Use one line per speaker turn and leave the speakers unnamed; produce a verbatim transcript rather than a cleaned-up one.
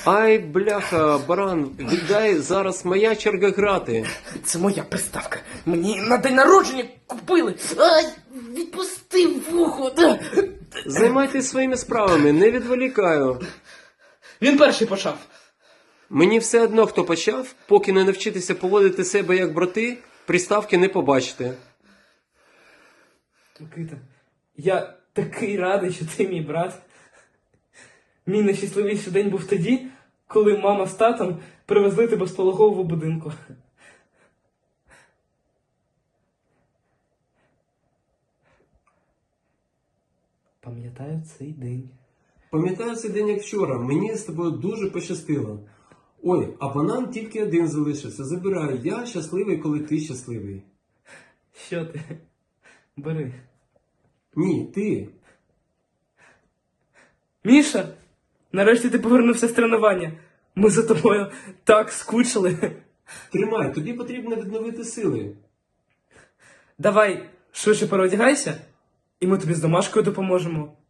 Ай, бляха, баран, віддай, зараз моя черга грати.
Це моя приставка. Мені на день народження купили. Ай, відпусти вухо.
Займайтесь своїми справами, не відволікаю.
Він перший почав.
Мені все одно, хто почав, поки не навчитися поводити себе як брати, приставки не побачите.
Микита, я такий радий, що ти мій брат. Мій найщасливіший день був тоді, коли мама з татом привезли тебе з пологового будинку. Пам'ятаю цей день.
Пам'ятаю цей день як вчора, мені з тобою дуже пощастило. Ой, а банан тільки один залишився, забирай, я щасливий, коли ти щасливий.
Що ти? Бери.
Ні, ти.
Міша, нарешті ти повернувся з тренування. Ми за тобою так скучили.
Тримай, тобі потрібно відновити сили.
Давай швидше переодягайся, і ми тобі з домашкою допоможемо.